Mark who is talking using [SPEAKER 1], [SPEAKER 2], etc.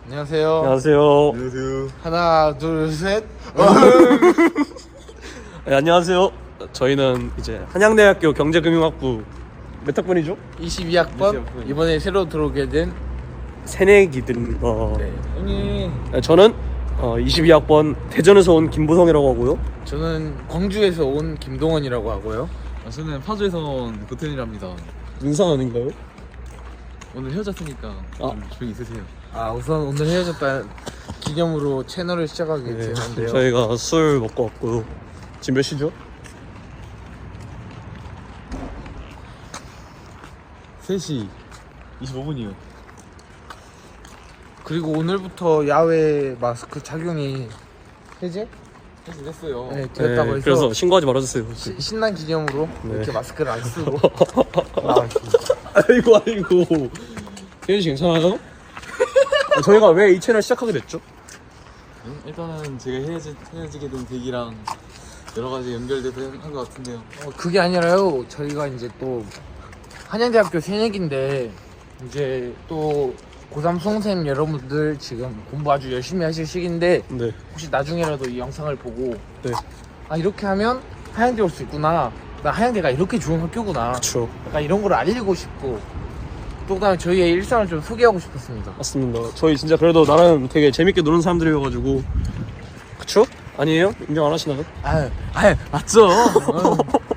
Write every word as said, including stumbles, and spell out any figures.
[SPEAKER 1] 안녕하세요.
[SPEAKER 2] 안녕하세요.
[SPEAKER 3] 안녕하세요.
[SPEAKER 1] 하나, 둘, 셋.
[SPEAKER 2] 네, 안녕하세요. 저희는 이제 한양대학교 경제금융학부 몇 학번이죠?
[SPEAKER 1] 이십이 학번 이번에 새로 들어오게 된
[SPEAKER 2] 새내기들. 어,
[SPEAKER 1] 네.
[SPEAKER 2] 네, 저는 어, 이십이 학번 대전에서 온 김보성이라고 하고요.
[SPEAKER 1] 저는 광주에서 온 김동원이라고 하고요.
[SPEAKER 3] 아, 저는 파주에서 온 고텐이랍니다.
[SPEAKER 2] 민상 아닌가요?
[SPEAKER 3] 오늘 헤어졌으니까
[SPEAKER 2] 아.
[SPEAKER 3] 좀 조용히 있으세요.
[SPEAKER 1] 아 우선 오늘 헤어졌다는 기념으로 채널을 시작하게
[SPEAKER 2] 네,
[SPEAKER 1] 되는데요.
[SPEAKER 2] 저희가 술 먹고 왔고요. 지금 몇 시죠?
[SPEAKER 3] 세 시 이십오 분이요.
[SPEAKER 1] 그리고 오늘부터 야외 마스크 착용이 해제?
[SPEAKER 3] 해지됐어요.
[SPEAKER 1] 네, 되었다고
[SPEAKER 2] 네,
[SPEAKER 1] 해서
[SPEAKER 2] 그래서 신고하지 말아주세요.
[SPEAKER 1] 시, 신난 기념으로
[SPEAKER 2] 네.
[SPEAKER 1] 이렇게 마스크를 안 쓰고 나왔습니다.
[SPEAKER 2] 아이고 아이고. 혜윤 씨 괜찮아요? 아, 저희가 왜 이 채널 시작하게 됐죠?
[SPEAKER 3] 음, 일단은 제가 헤어지, 헤어지게 된 계기랑 여러 가지 연결돼서 한 것 같은데요.
[SPEAKER 1] 어, 그게 아니라요. 저희가 이제 또 한양대학교 새내기인데 이제 또 고삼 수험생 여러분들 지금 공부 아주 열심히 하실 시기인데
[SPEAKER 2] 네.
[SPEAKER 1] 혹시 나중에라도 이 영상을 보고
[SPEAKER 2] 네.
[SPEAKER 1] 아 이렇게 하면 한양대 올 수 있구나, 나 한양대가 이렇게 좋은 학교구나,
[SPEAKER 2] 그렇죠.
[SPEAKER 1] 약간 이런 걸 알리고 싶고 또 그다음에 저희의 일상을 좀 소개하고 싶었습니다.
[SPEAKER 2] 맞습니다. 저희 진짜 그래도 나름 되게 재밌게 노는 사람들이어가지고. 그쵸? 아니에요? 인정 안 하시나요?
[SPEAKER 1] 아유 아유 맞죠.